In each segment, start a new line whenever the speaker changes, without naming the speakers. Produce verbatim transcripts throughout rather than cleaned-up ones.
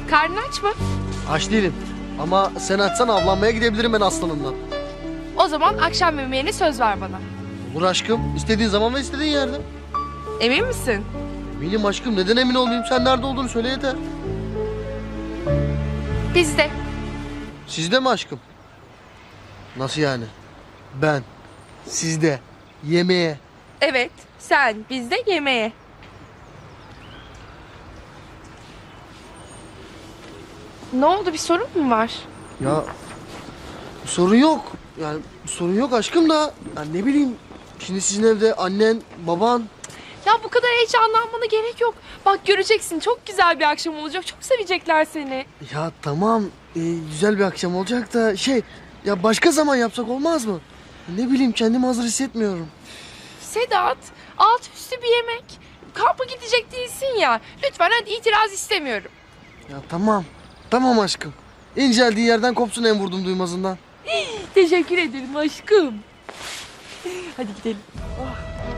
Karnın aç mı?
Aç değilim. Ama sen açsan avlanmaya gidebilirim ben aslanımdan.
O zaman akşam yemeğine söz ver bana.
Olur aşkım. İstediğin zaman ve istediğin yerde.
Emin misin?
Eminim aşkım. Neden emin olmayayım? Sen nerede olduğunu söyle yeter.
Bizde.
Sizde mi aşkım? Nasıl yani? Ben. Sizde. Yemeğe.
Evet, sen bizde yemeğe. Ne oldu, bir sorun mu var?
Ya sorun yok. Yani sorun yok aşkım da. Ya ne bileyim. Şimdi sizin evde annen, baban.
Ya bu kadar heyecanlanmana gerek yok. Bak göreceksin, çok güzel bir akşam olacak. Çok sevecekler seni.
Ya tamam. e, güzel bir akşam olacak da şey. Ya başka zaman yapsak olmaz mı? Ne bileyim kendimi hazır hissetmiyorum.
Sedat, alt üstü bir yemek. Kampa gidecek değilsin ya. Lütfen hadi, itiraz istemiyorum.
Ya tamam. Tamam aşkım. İnceldiği yerden kopsun en vurdum duymazından.
Teşekkür ederim aşkım. Hadi gidelim. Oh.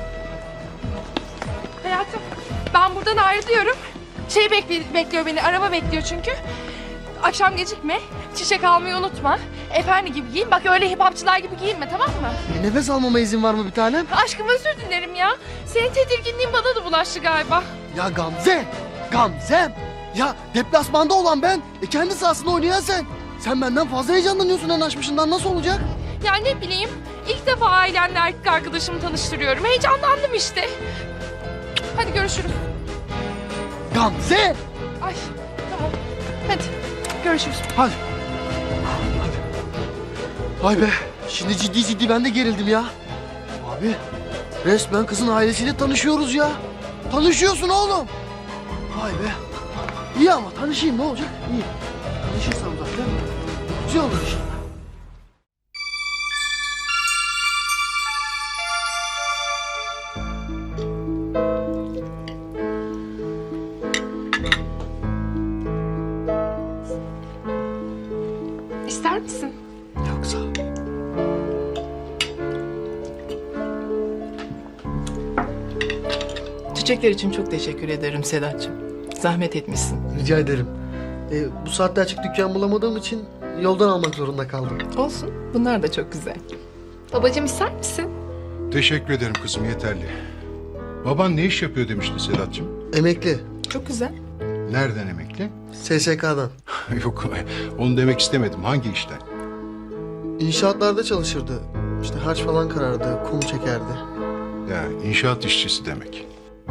Hayatım, ben buradan ayrılıyorum. Şey bekli- bekliyor beni, araba bekliyor çünkü. Akşam gecikme, çiçek almayı unutma. Efendi gibi giyin, bak öyle hipapçılar gibi giyinme, tamam mı?
E, nefes almama izin var mı bir tanem?
Aşkım özür dilerim ya. Senin tedirginliğin bana da bulaştı galiba.
Ya Gamze! Gamzem! Ya deplasmanda olan ben, e, kendi sahasında oynayan sen. Sen benden fazla heyecanlanıyorsun en açmışından, nasıl olacak?
Ya ne bileyim, ilk defa ailemle erkek arkadaşımı tanıştırıyorum. Heyecanlandım işte. Hadi görüşürüz.
Gamze!
Ay tamam. Hadi görüşürüz.
Hadi. Hadi. Vay be, şimdi ciddi ciddi ben de gerildim ya. Abi, resmen kızın ailesiyle tanışıyoruz ya. Tanışıyorsun oğlum. Vay be. İyi ama tanışayım, ne olacak? İyi. Tanışırsam zaten güzel olur işte.
İster misin?
Yok sağ ol.
Çiçekler için çok teşekkür ederim Sedat'cığım. Zahmet etmişsin.
Rica ederim. Ee, bu saatte açık dükkan bulamadığım için yoldan almak zorunda kaldım.
Olsun. Bunlar da çok güzel.
Babacığım ister misin?
Teşekkür ederim kızım, yeterli. Baban ne iş yapıyor demişti Sedat'cığım?
Emekli.
Çok güzel.
Nereden emekli?
S S K'dan.
Yok, onu demek istemedim. Hangi işten?
İnşaatlarda çalışırdı. İşte harç falan karardı, kum çekerdi.
Ya inşaat işçisi demek.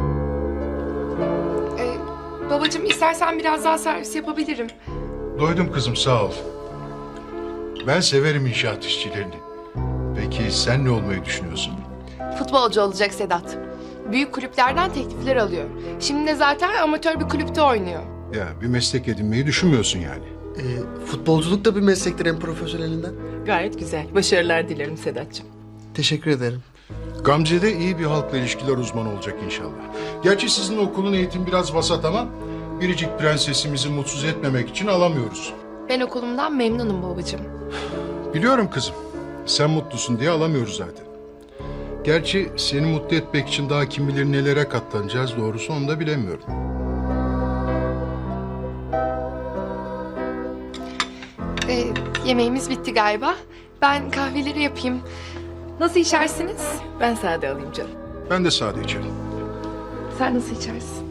Ee, babacığım istersen biraz daha servis yapabilirim.
Doydum kızım, sağ ol. Ben severim inşaat işçilerini. Peki sen ne olmayı düşünüyorsun?
Futbolcu olacak Sedat. Büyük kulüplerden teklifler alıyor. Şimdi de zaten amatör bir kulüpte oynuyor.
Ya bir meslek edinmeyi düşünmüyorsun yani.
Ee, futbolculuk da bir meslektir en profesyonelinden.
Gayet güzel. Başarılar dilerim Sedat'cığım.
Teşekkür ederim.
Gamze de iyi bir halkla ilişkiler uzmanı olacak inşallah. Gerçi sizin okulun eğitimi biraz vasat ama biricik prensesimizi mutsuz etmemek için alamıyoruz.
Ben okulumdan memnunum babacığım.
Biliyorum kızım. Sen mutlusun diye alamıyoruz zaten. Gerçi seni mutlu etmek için daha kim bilir nelere katlanacağız, doğrusu onu da bilemiyorum.
Ee, yemeğimiz bitti galiba. Ben kahveleri yapayım. Nasıl içersiniz?
Ben sade alayım canım.
Ben de sade içerim.
Sen nasıl içersin?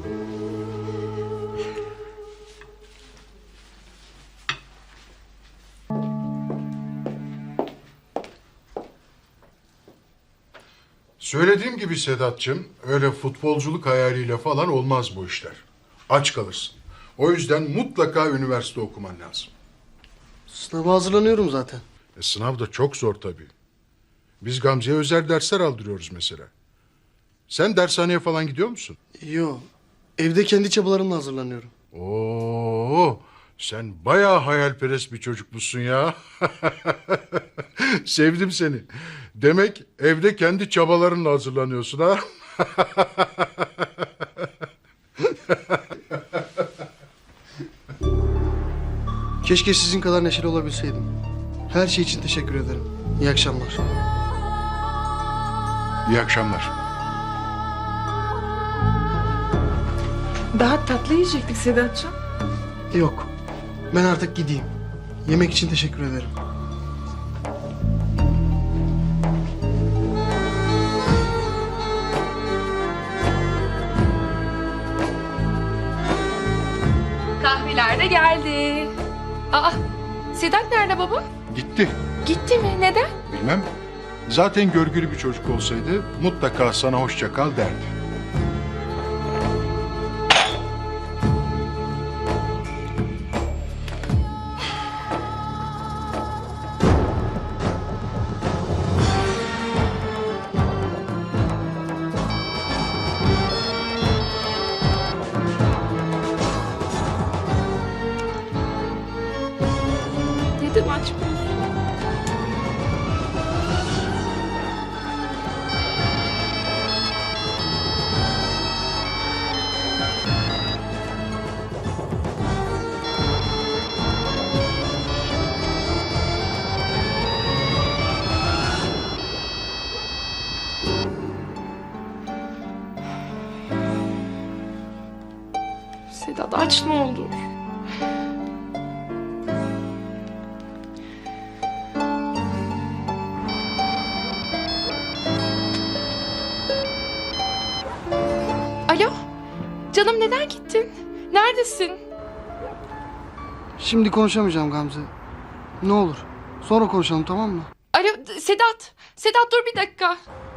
Söylediğim gibi Sedat'cığım, öyle futbolculuk hayaliyle falan olmaz bu işler. Aç kalırsın. O yüzden mutlaka üniversite okuman lazım.
Sınava hazırlanıyorum zaten.
E, sınav da çok zor tabii. Biz Gamze'ye özel dersler aldırıyoruz mesela. Sen dershaneye falan gidiyor musun?
Yo, evde kendi çabalarımla hazırlanıyorum.
Oo, sen bayağı hayalperest bir çocukmuşsun ya. Sevdim seni. Demek evde kendi çabalarınla hazırlanıyorsun ha?
Keşke sizin kadar neşeli olabilseydim. Her şey için teşekkür ederim. İyi akşamlar.
İyi akşamlar.
Daha tatlı yiyecektik Sedat'cığım.
Yok, Ben artık gideyim. Yemek için teşekkür ederim.
Kahveler de geldi. Aa, Sedat nerede baba?
Gitti.
Gitti mi? Neden?
Bilmem. Zaten görgülü bir çocuk olsaydı mutlaka sana hoşça kal derdi.
Neden açmıyorsun? Sedat aç ne olur. Alo, canım neden gittin? Neredesin?
Şimdi konuşamayacağım Gamze. Ne olur. Sonra konuşalım, tamam mı?
Alo, Sedat, Sedat dur bir dakika.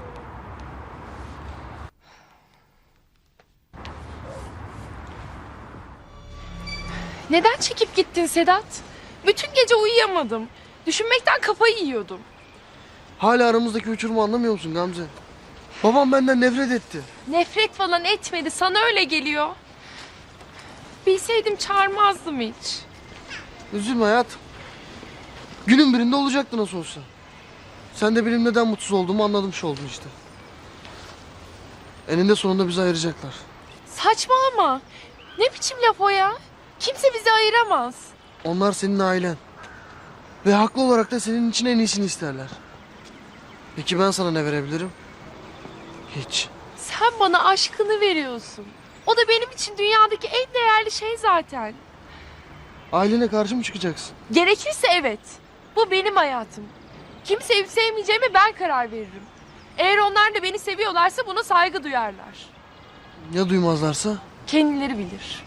Neden çekip gittin Sedat? Bütün gece uyuyamadım. Düşünmekten kafayı yiyordum.
Hala aramızdaki uçurumu anlamıyor musun Gamze? Babam benden nefret etti.
Nefret falan etmedi, sana öyle geliyor. Bilseydim çağırmazdım hiç.
Üzülme hayatım. Günün birinde olacaktı nasıl olsa. Sen de benim neden mutsuz olduğumu anlamış oldun işte. Eninde sonunda bizi ayıracaklar.
Saçmalama. Ne biçim laf o ya? Kimse bizi ayıramaz.
Onlar senin ailen. Ve haklı olarak da senin için en iyisini isterler. Peki ben sana ne verebilirim? Hiç.
Sen bana aşkını veriyorsun. O da benim için dünyadaki en değerli şey zaten.
Ailene karşı mı çıkacaksın?
Gerekirse evet. Bu benim hayatım. Kimi sevip sevmeyeceğime ben karar veririm. Eğer onlar da beni seviyorlarsa buna saygı duyarlar.
Ya duymazlarsa?
Kendileri bilir.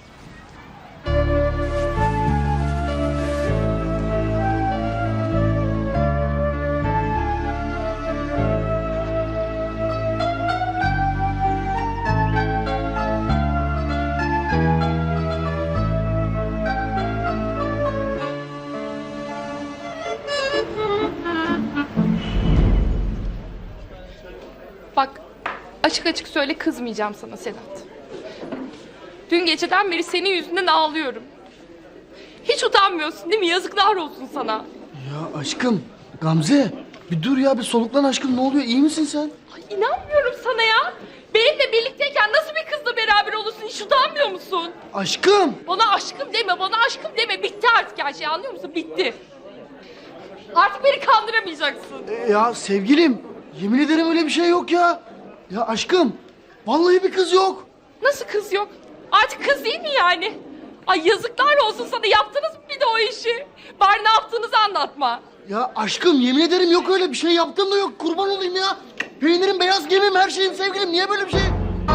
Bak, açık açık söyle, kızmayacağım sana Sedat. Dün geceden beri senin yüzünden ağlıyorum. Hiç utanmıyorsun değil mi? Yazıklar olsun sana.
Ya aşkım, Gamze. Bir dur ya, bir soluklan aşkım. Ne oluyor? İyi misin sen?
Ay, inanmıyorum sana ya. Benimle birlikteyken nasıl bir kızla beraber olursun? Hiç utanmıyor musun?
Aşkım!
Bana aşkım deme, bana aşkım deme. Bitti artık her şey, anlıyor musun? Bitti. Artık beni kandıramayacaksın.
E, ya sevgilim, yemin ederim öyle bir şey yok ya. Ya aşkım, vallahi bir kız yok.
Nasıl kız yok? Artık kız değil mi yani? Ay yazıklar olsun sana, yaptınız mı bir de o işi? Bari ne yaptığınızı anlatma.
Ya aşkım, yemin ederim yok öyle bir şey, yaptığım da yok. Kurban olayım ya. Peynirim, beyaz gemim, her şeyim sevgilim. Niye böyle bir şey?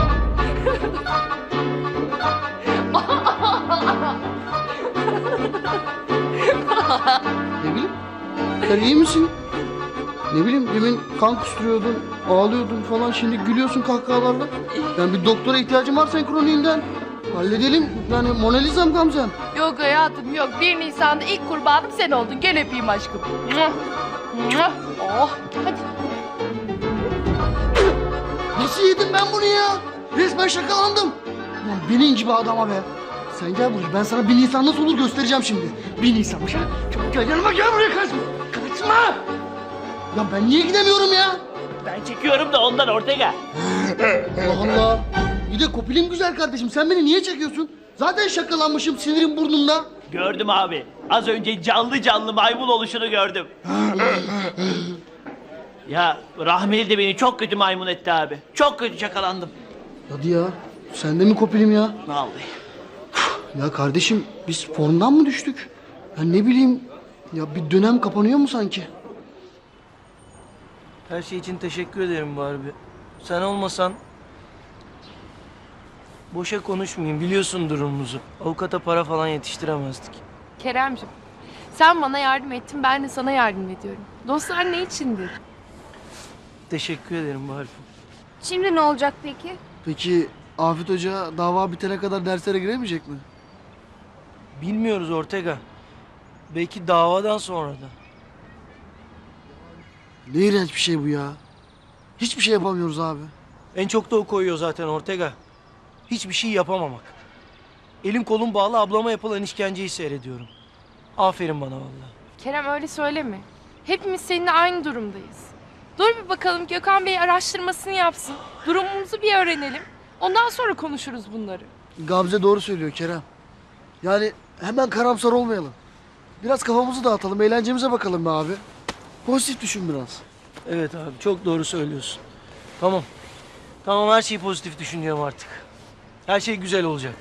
Ne bileyim, sen iyi misin? Ne bileyim, demin kan kusturuyordun, ağlıyordun falan, şimdi gülüyorsun kahkahalarla. Yani bir doktora ihtiyacım var senkroniğinden. Halledelim, yani Mona Lisa'm Gamze'm.
Yok hayatım yok. bir Nisan'da ilk kurbanım sen oldun. Gel öpeyim aşkım. Oh hadi.
Nasıl yedim ben bunu ya? Resmen şakalandım. Ulan benim gibi adama be. Sen gel buraya, ben sana bir Nisan nasıl olur göstereceğim şimdi. Bir Nisan'mış ha. Çabuk gel yanıma, gel buraya, kaçma. Kaçma. Ya ben niye gidemiyorum ya?
Ben çekiyorum da ondan Ortega.
Allah Allah. Bir de kopilim güzel kardeşim, sen beni niye çekiyorsun? Zaten şakalanmışım, sinirim burnumda.
Gördüm abi. Az önce canlı canlı maymun oluşunu gördüm. Ya Rahmeli de beni çok kötü maymun etti abi. Çok kötü şakalandım.
Hadi ya, sen de mi kopilim ya?
Vallahi.
Ya kardeşim, biz formdan mı düştük? Ya ne bileyim, ya bir dönem kapanıyor mu sanki?
Her şey için teşekkür ederim Barbie. Sen olmasan... Boşa konuşmayayım, biliyorsun durumumuzu. Avukata para falan yetiştiremezdik.
Keremcim, sen bana yardım ettin, ben de sana yardım ediyorum. Dostlar ne içindir?
Teşekkür ederim Barbie.
Şimdi ne olacak peki?
Peki Afet Hoca dava bitene kadar derslere giremeyecek mi?
Bilmiyoruz Ortega. Belki davadan sonra da.
Ne iğrenç bir şey bu ya. Hiçbir şey yapamıyoruz abi.
En çok da o koyuyor zaten Ortega. Hiçbir şey yapamamak. Elim kolum bağlı ablama yapılan işkenceyi seyrediyorum. Aferin bana vallahi.
Kerem öyle söyleme. Hepimiz seninle aynı durumdayız. Dur bir bakalım Gökhan Bey araştırmasını yapsın. Durumumuzu bir öğrenelim. Ondan sonra konuşuruz bunları.
Gamze doğru söylüyor Kerem. Yani hemen karamsar olmayalım. Biraz kafamızı dağıtalım, eğlencemize bakalım be abi. Pozitif düşün biraz.
Evet abi çok doğru söylüyorsun. Tamam. Tamam her şeyi pozitif düşünüyorum artık. Her şey güzel olacak.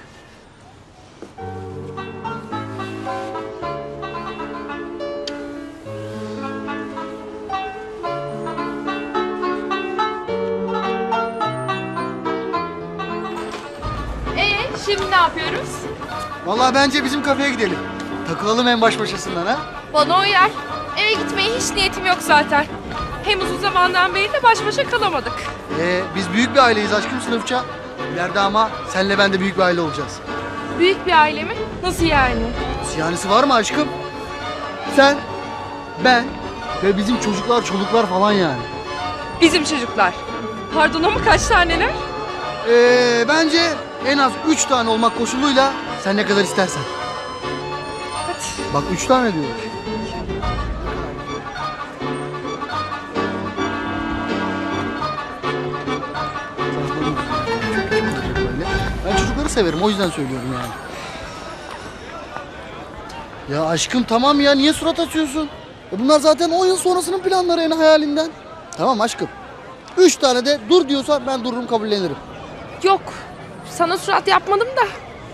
Ee, şimdi ne yapıyoruz?
Vallahi bence bizim kafeye gidelim. Takılalım en baş başasından ha.
Bana uyar. Eve gitmeye hiç niyetim yok zaten. Hem uzun zamandan beri de baş başa kalamadık.
Ee, biz büyük bir aileyiz aşkım sınıfça. İleride ama senle ben de büyük bir aile olacağız.
Büyük bir aile mi? Nasıl yani?
Siyanesi var mı aşkım? Sen, ben ve bizim çocuklar, çoluklar falan yani.
Bizim çocuklar. Pardon ama kaç taneler?
Ee, bence en az üç tane olmak koşuluyla sen ne kadar istersen.
Hadi.
Bak üç tane diyor. Ben çocukları severim o yüzden söylüyorum yani. Ya aşkım tamam ya niye surat açıyorsun? E bunlar zaten on yıl sonrasının planları en hayalinden. Tamam aşkım. Üç tane de dur diyorsa ben dururum kabullenirim.
Yok. Sana surat yapmadım da.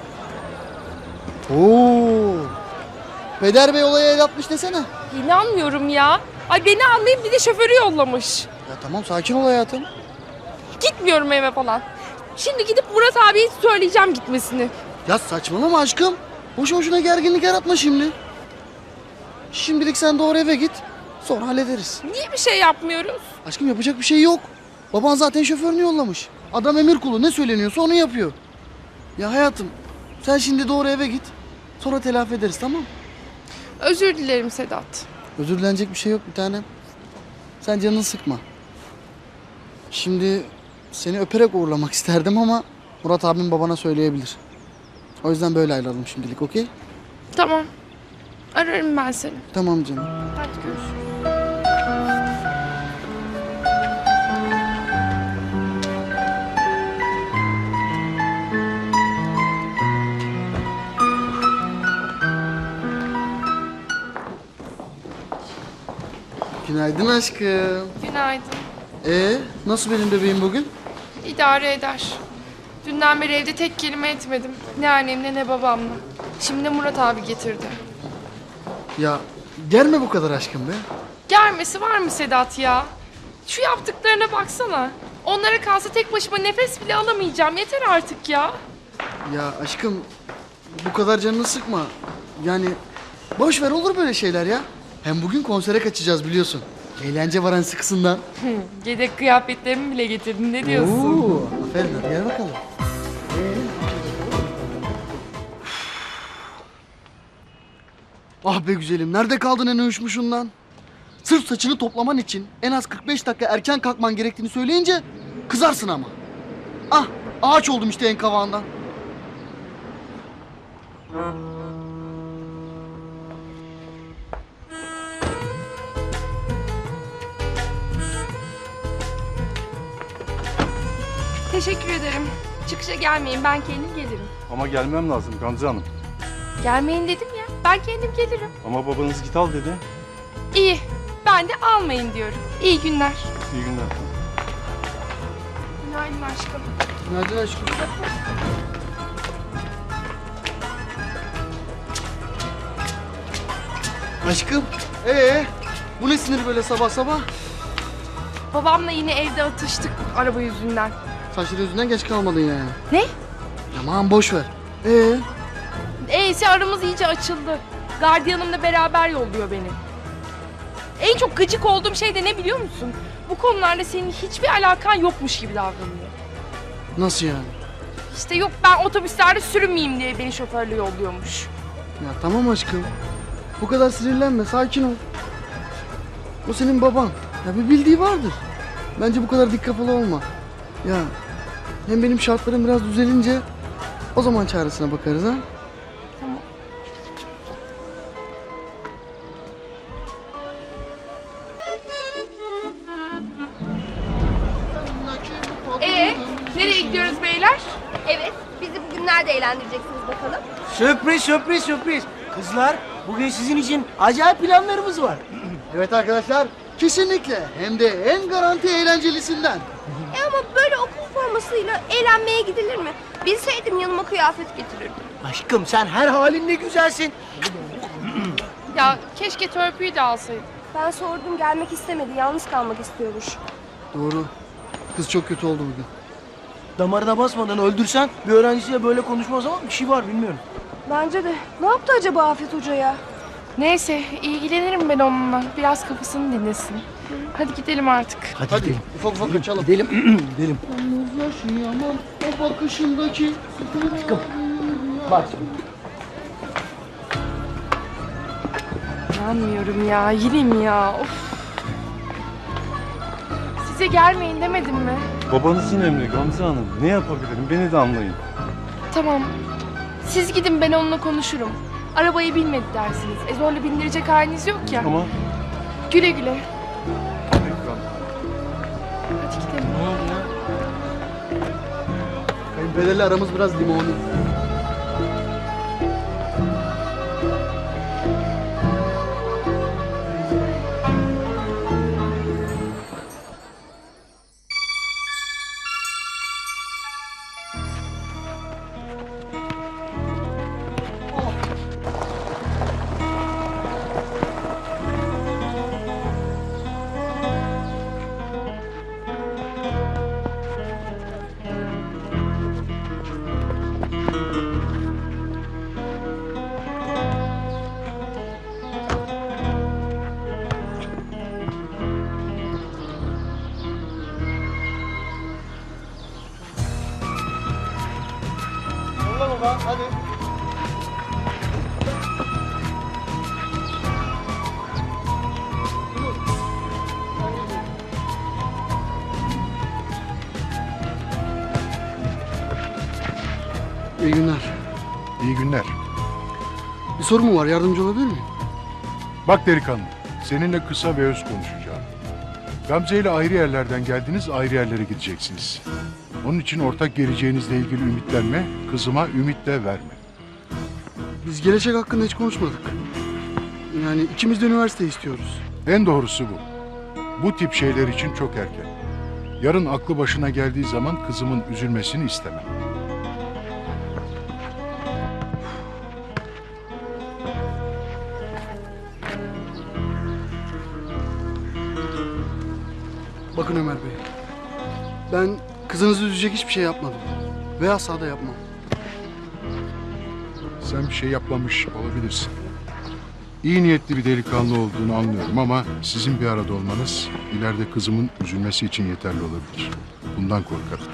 Oo. Peder Bey olaya el atmış desene.
İnanmıyorum ya. Ay beni anlayıp bir de şoförü yollamış.
Ya tamam sakin ol hayatım.
Gitmiyorum eve falan. Şimdi gidip Murat abiye söyleyeceğim gitmesini.
Ya saçmalama aşkım. Boşu boşuna gerginlik yaratma şimdi. Şimdilik sen doğru eve git. Sonra hallederiz.
Niye bir şey yapmıyoruz?
Aşkım yapacak bir şey yok. Baban zaten şoförünü yollamış. Adam emir kulu ne söyleniyorsa onu yapıyor. Ya hayatım sen şimdi doğru eve git. Sonra telafi ederiz tamam mı?
Özür dilerim Sedat.
Özür dilenecek bir şey yok bir tanem. Sen canını sıkma. Şimdi seni öperek uğurlamak isterdim ama Murat abim babana söyleyebilir. O yüzden böyle ayrılalım şimdilik okey?
Tamam. Ararım ben seni.
Tamam canım.
Hadi görüşürüz.
Günaydın aşkım.
Günaydın.
Ee, nasıl benim bebeğim bugün?
İdare eder. Dünden beri evde tek kelime etmedim. Ne annemle ne babamla. Şimdi de Murat abi getirdi.
Ya gelme bu kadar aşkım be.
Gelmesi var mı Sedat ya? Şu yaptıklarına baksana. Onlara kalsa tek başıma nefes bile alamayacağım. Yeter artık ya.
Ya aşkım bu kadar canını sıkma. Yani boş ver olur böyle şeyler ya. Hem bugün konsere kaçacağız biliyorsun. Eğlence var hani sıkısından.
Yedek kıyafetlerimi bile getirdin. Ne diyorsun?
Oo, aferin hadi gel bakalım. Ah be güzelim nerede kaldın en uyuşmuşundan? Sırf saçını toplaman için en az kırk beş dakika erken kalkman gerektiğini söyleyince kızarsın ama. Ah ağaç oldum işte en kavağından.
Teşekkür ederim. Çıkışa gelmeyin. Ben kendim gelirim.
Ama gelmem lazım Gamze Hanım.
Gelmeyin dedim ya. Ben kendim gelirim.
Ama babanız git al dedi.
İyi. Ben de almayın diyorum. İyi günler.
İyi günler.
Günaydın aşkım.
Günaydın aşkım. Aşkım. Ee, bu ne sinir böyle sabah sabah?
Babamla yine evde atıştık araba yüzünden.
Saçları yüzünden geç kalmadın yani.
Ne?
Aman boş ver. Ee,
Eyse aramız iyice açıldı. Gardiyanımla beraber yolluyor beni. En çok gıcık olduğum şey de ne biliyor musun? Bu konularda senin hiçbir alakan yokmuş gibi davranıyor.
nasıl yani?
İşte yok ben otobüslerde sürünmeyeyim diye beni şoförle yolluyormuş.
Ya tamam aşkım. Bu kadar sinirlenme, sakin ol. O senin baban. Ya bir bildiği vardır. Bence bu kadar dik kafalı olma. Ya hem benim şartlarım biraz düzelince o zaman çaresine bakarız ha.
Ee, nereye gidiyoruz beyler?
Evet. Bizi bugün nerede eğlendireceksiniz bakalım?
Sürpriz sürpriz sürpriz. Kızlar bugün sizin için acayip planlarımız var.
Evet arkadaşlar, kesinlikle hem de en garanti eğlencelisinden.
E ama böyle okul formasıyla eğlenmeye gidilir mi? Bilseydim yanıma kıyafet getirirdim.
Aşkım sen her halinle güzelsin.
Ya keşke törpüyü de alsaydım.
Ben sordum gelmek istemedi. Yalnız kalmak istiyormuş.
Doğru. Kız çok kötü oldu bugün.
Damarına basmadan öldürsen bir öğrencisiyle böyle konuşmaz ama bir şey var bilmiyorum.
Bence de. Ne yaptı acaba Afet Hoca ya?
Neyse ilgilenirim ben onunla. Biraz kafasını dinlesin. Hadi gidelim artık.
Hadi,
Hadi
gidelim.
ufak ufak kaçalım.
Gidelim. gidelim.
Yalnız yaşayamam o bakışındaki.
Aşkım. Bak şimdi.
İnanmıyorum ya. Yine mi ya? Of. Size gelmeyin demedim mi?
Babanızın emri Gamze Hanım. Ne yapabilirim? Beni de anlayın.
Tamam. Siz gidin ben onunla konuşurum. Arabayı bilmedi dersiniz. E zorla bindirecek haliniz yok ya.
Ama
Güle güle.
Ekran.
Hadi gidelim.
Ne oldu ya?
Kayınpederle aramız biraz limoni.
Yolla baba hadi.
İyi günler.
İyi günler.
Bir sorun mu var? Yardımcı olabilir miyim?
Bak delikanlı, seninle kısa ve öz konuşacağım. Gamze ile ayrı yerlerden geldiniz, ayrı yerlere gideceksiniz. Onun için ortak geleceğinizle ilgili ümitlenme, kızıma ümit de verme.
Biz gelecek hakkında hiç konuşmadık. Yani ikimiz de üniversite istiyoruz.
En doğrusu bu. Bu tip şeyler için çok erken. Yarın aklı başına geldiği zaman kızımın üzülmesini istemem.
Bakın Ömer Bey. Ben kızınızı üzecek hiçbir şey yapmadım. Ve asla da yapmam.
Sen bir şey yapmamış olabilirsin. İyi niyetli bir delikanlı olduğunu anlıyorum ama sizin bir arada olmanız ileride kızımın üzülmesi için yeterli olabilir. Bundan korkarım.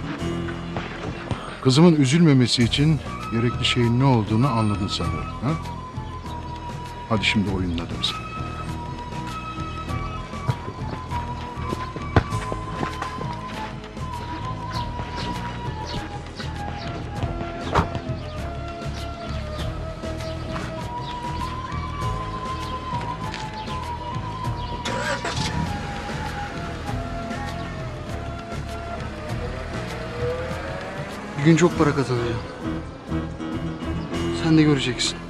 Kızımın üzülmemesi için gerekli şeyin ne olduğunu anladın sanıyorum. Ha? Hadi şimdi oyunladım seni.
Bir gün çok para kazanacağım. Sen de göreceksin.